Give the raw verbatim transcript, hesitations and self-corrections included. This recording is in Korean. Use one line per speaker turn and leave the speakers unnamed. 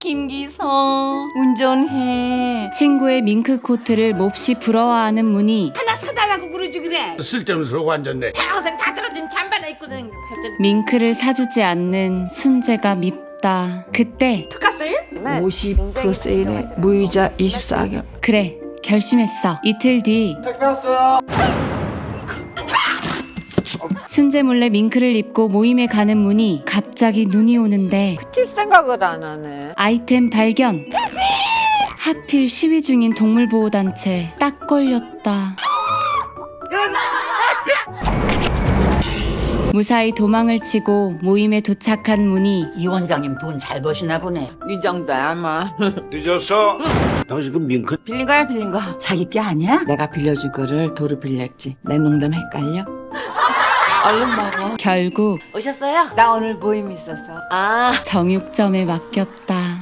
김기성 운전해.
친구의 밍크 코트를 몹시 부러워하는 문희.
하나 사달라고 그러지 그래.
쓸데없는 소리가 앉았네.
평생 다 떨어진 잠바나 입고 다니는 팔자.
밍크를 사주지 않는 순재가 밉다. 그때
특가 세일?
오십 퍼센트 세일에 무이자 이십사 개월.
그래 결심했어. 이틀 뒤
택배 왔어요.
순재 몰래 밍크를 입고 모임에 가는 문희. 갑자기 눈이 오는데
칠 생각을 안 하네.
아이템 발견. 하필 시위 중인 동물보호단체. 딱 걸렸다. 무사히 도망을 치고 모임에 도착한 문희.
이 원장님 돈 잘 버시나 보네.
이 정도야 아마.
늦었어. 당신 그 밍크
빌린 거야 빌린 거.
자기 게 아니야?
내가 빌려준 거를 도로 빌렸지. 내 농담 헷갈려? 얼른 먹어.
결국
오셨어요?
나 오늘 모임 있어서.
아
정육점에 맡겼다.